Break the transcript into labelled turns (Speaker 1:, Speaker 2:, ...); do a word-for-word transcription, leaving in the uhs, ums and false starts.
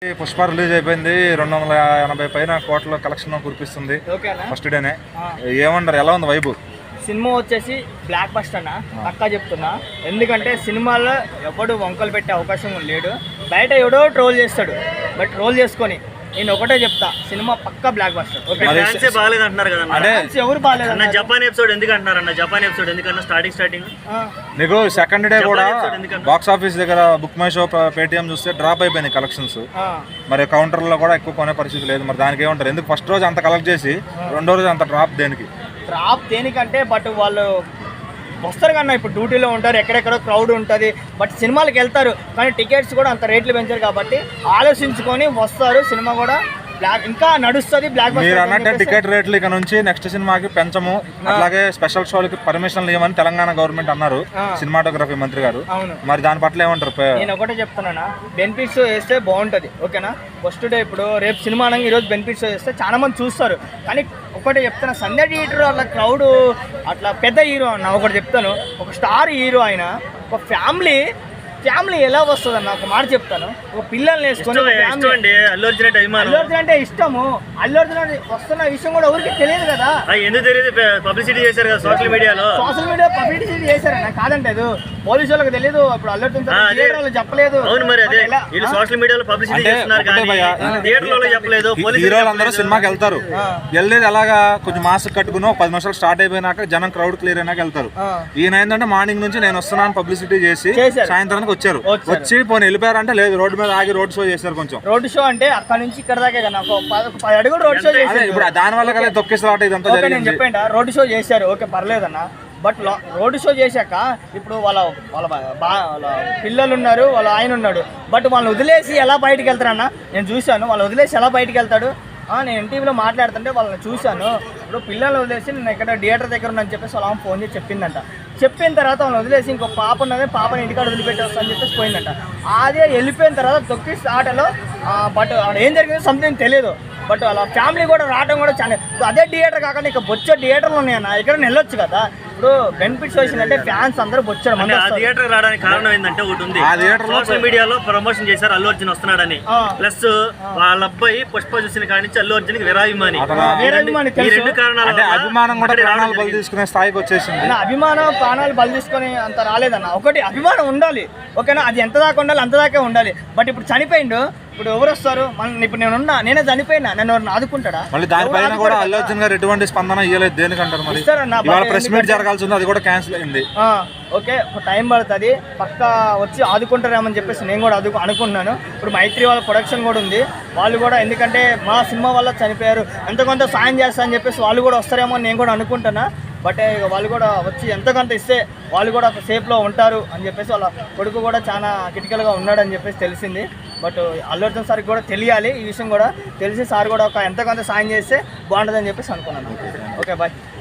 Speaker 1: Pushpa release అయిపోయింది. రెండు వందల ఎనభై పైన కోట్ల కలెక్షన్ కురిపిస్తుంది ఫస్ట్ డేనే. ఏమంటారు, ఎలా ఉంది వైబు?
Speaker 2: సినిమా వచ్చేసి బ్లాక్ బస్టర్ అన్న పక్కా చెప్తున్నా. ఎందుకంటే సినిమాలో ఎవడు వంకలు పెట్టే అవకాశం లేడు. బయట ఎవడో ట్రోల్ చేస్తాడు, బట్ ట్రోల్ చేసుకొని నేను ఒకటే చెప్తా, సినిమా పక్కా బ్లాక్ బస్టర్.
Speaker 3: బాగాలేదు అంటున్నారు కదా,
Speaker 2: ఎవరు బాగాలేదు
Speaker 3: అన్న. జపాన్ ఎపిసోడ్ ఎందుకు అంటున్నారు అన్న? జపాన్ ఎపిసోడ్ ఎందుకన్నా స్టార్టింగ్ స్టార్టింగ్
Speaker 1: నీకు సెకండ్ డే కూడా బాక్స్ ఆఫీస్ దగ్గర బుక్ మై షో పేటిఎం చూస్తే డ్రాప్ అయిపోయింది కలెక్షన్స్. మరి కౌంటర్లో కూడా ఎక్కువ కొనే పరిస్థితి లేదు. మరి దానికి ఏమంటారు? ఎందుకు ఫస్ట్ రోజు అంత కలెక్ట్ చేసి రెండో రోజు అంత డ్రాప్ దేనికి?
Speaker 2: డ్రాప్ దేనికంటే బట్ వాళ్ళు వస్తారు కన్నా, ఇప్పుడు డ్యూటీలో ఉంటారు, ఎక్కడెక్కడో క్రౌడ్ ఉంటుంది, బట్ సినిమాలకు వెళ్తారు కానీ టికెట్స్ కూడా అంత రేట్లు పెంచారు కాబట్టి ఆలోచించుకొని వస్తారు. సినిమా కూడా బ్లాక్ ఇంకా నడుస్తుంది. బ్లాక్
Speaker 1: మీరు అన్నట్టే టికెట్ రేట్లు ఇక నుంచి నెక్స్ట్ సినిమాకి పెంచము, అలాగే స్పెషల్ షోలకి పర్మిషన్లు ఇవ్వమని తెలంగాణ గవర్నమెంట్ అన్నారు సినిమాటోగ్రఫీ మంత్రి గారు. మరి దాని పట్ల ఏమంటారు?
Speaker 2: నేను ఒకటే చెప్తున్నానా, బెనిఫిట్స్ వేస్తే బాగుంటుంది, ఓకేనా? ఫస్ట్ డే ఇప్పుడు రేపు సినిమా అనగా ఈరోజు బెనిఫిట్స్ వేస్తే చాలా మంది చూస్తారు. కానీ ఒకటే చెప్తాను, సంధ్య థియేటర్ అట్లా క్రౌడ్ అట్లా పెద్ద హీరో అన్న. ఒకటి చెప్తాను, ఒక స్టార్ హీరో ఆయన ఒక ఫ్యామిలీ ఫ్యామిలీ ఎలా వస్తుంది అన్న? ఒక మాట చెప్తాను, ఒక పిల్లల్ని వేసుకొని
Speaker 3: అల్లు అర్జున్ అంటే
Speaker 2: అల్లు అర్జున్ అంటే ఇష్టము. అల్లు అర్జున్ వస్తున్న విషయం కూడా ఎవరికి తెలియదు కదా.
Speaker 3: ఎందుకు తెలియదు? పబ్లిసిటీ చేశారు కదా సోషల్ మీడియాలో.
Speaker 2: సోషల్ మీడియా పబ్లిసిటీ చేశారన్న, కాదంటే పోలీసు వాళ్ళకి తెలియదు. ఇప్పుడు అల్లు అర్జున్ థియేటర్లో చెప్పలేదు.
Speaker 3: అవును, మరి అదే వీళ్ళు సోషల్ మీడియాలో పబ్లిసిటీ చేస్తున్నారు కానీ థియేటర్లో చెప్పలేదు.
Speaker 1: హీరోలందరూ సినిమాకి వెళ్తారు, వెళ్ళేది అలాగా కొంచెం మాస్క్ కట్టుకుని ఒక పది నిమిషాలు స్టార్ట్ అయిపోయినాక జనం క్రౌడ్ క్లియర్ అయినాక వెళ్తారు. ఈయన ఏంటంటే మార్నింగ్ నుంచి నేను వస్తున్నాను పబ్లిసిటీ చేసి సాయంత్రానికి వచ్చారు. వచ్చి పోనీ వెళ్ళిపోయారంటే లేదు, రోడ్డు మీద ఆగి రోడ్ షో చేశారు. కొంచెం
Speaker 2: రోడ్ షో అంటే అక్కడ నుంచి ఇక్కడ దాకా కదా పది అడుగులు రోడ్ షో చేశారు.
Speaker 1: ఇప్పుడు దాని వల్ల కదా తొక్కేసాట ఇదంతా జరిగింది.
Speaker 2: చెప్పండి, రోడ్ షో చేశారు, ఓకే పర్లేదన్న. బట్ రోడ్ షో చేశాక ఇప్పుడు వాళ్ళ వాళ్ళ వాళ్ళ పిల్లలు ఉన్నారు, వాళ్ళ ఆయన ఉన్నాడు, బట్ వాళ్ళని వదిలేసి ఎలా బయటికి వెళ్తారన్న? నేను చూశాను, వాళ్ళు వదిలేసి ఎలా బయటికి వెళ్తాడు. నేను ఎన్టీవీలో మాట్లాడుతుంటే వాళ్ళని చూశాను. ఇప్పుడు పిల్లల్ని వదిలేసి నేను ఎక్కడ థియేటర్ దగ్గర ఉన్నాను చెప్పేసి వాళ్ళ ఫోన్ చేసి చెప్పిందంట. చెప్పిన తర్వాత వాళ్ళని వదిలేసి ఇంకో పాప ఉన్నది, పాపని ఇంటికాడ వదిలిపెట్టి వస్తా అని చెప్పేసి పోయిందంట. అదే వెళ్ళిపోయిన తర్వాత తొక్కి ఆటలో బట్ ఏం జరిగిందో సంథింగ్ తెలియదు. బట్ అలా ఫ్యామిలీ కూడా రావడం కూడా చాలా. అదే థియేటర్ కాకుండా ఇక బొచ్చే థియేటర్లు ఉన్నాయన్న, ఇక్కడ వెళ్ళొచ్చు కదా. ఇప్పుడు బెనిఫిట్స్ వచ్చిందంటే ఫ్యాన్స్ అందరూ బొచ్చారు.
Speaker 3: థియేటర్ రావడానికి కారణం ఏంటంటే ఒకటి ఉంది, సోషల్ మీడియాలో ప్రమోషన్ చేశారు అల్లు అర్జున్ వస్తున్నాడని. ప్లస్ వాళ్ళ అబ్బాయి పుష్ప చూసిన కాడి నుంచి అల్లు అర్జున్ కి వీరాభిమాని. ఈ రెండు కారణాలు
Speaker 1: అభిమానం కూడా ప్రాణాలు బలి తీసుకునే స్థాయికి వచ్చేసింది.
Speaker 2: అభిమానం ప్రాణాలు బలి తీసుకుని అంత రాలేదన్న. ఒకటి అభిమానం ఉండాలి, ఓకేనా? అది ఎంత దాకా ఉండాలి అంత దాకా ఉండాలి. బట్ ఇప్పుడు చనిపోయిండు, ఇప్పుడు ఎవరు వస్తారు? మన ఇప్పుడు నేను ఉన్నా, నేనే చనిపోయినా, నన్ను ఎవరు ఆదుకుంటాడా?
Speaker 1: మళ్ళీ దానిపైన కూడా అల్లు అర్జున్ గారు ఎటువంటి స్పందన ఇవ్వలేదు. దేనికంటారు? మరి ఇవాళ ప్రెస్ మీట్ జరగాల్సి ఉంది, అది కూడా క్యాన్సిల్ అయింది.
Speaker 2: ఓకే, టైం పడుతుంది, పక్కా వచ్చి ఆదుకుంటారేమని చెప్పేసి నేను కూడా అదుకు అనుకుంటున్నాను. ఇప్పుడు మైత్రి వాళ్ళ ప్రొడక్షన్ కూడా ఉంది, వాళ్ళు కూడా ఎందుకంటే మా సినిమా వల్ల చనిపోయారు, ఎంత కొంత సాయం చేస్తా అని చెప్పేసి వాళ్ళు కూడా వస్తారేమో అని నేను కూడా అనుకుంటున్నా. బట్ ఇక వాళ్ళు కూడా వచ్చి ఎంతకంత ఇస్తే వాళ్ళు కూడా ఒక సేఫ్లో ఉంటారు అని చెప్పేసి వాళ్ళ కొడుకు కూడా చాలా క్రిటికల్గా ఉన్నాడని చెప్పేసి తెలిసింది. బట్ అల్లు అర్జున్ సార్కి కూడా తెలియాలి ఈ విషయం కూడా తెలిసి సార్ కూడా ఒక ఎంతకంత సాయం చేస్తే బాగుంటుందని చెప్పేసి అనుకున్నాను. Okay bye.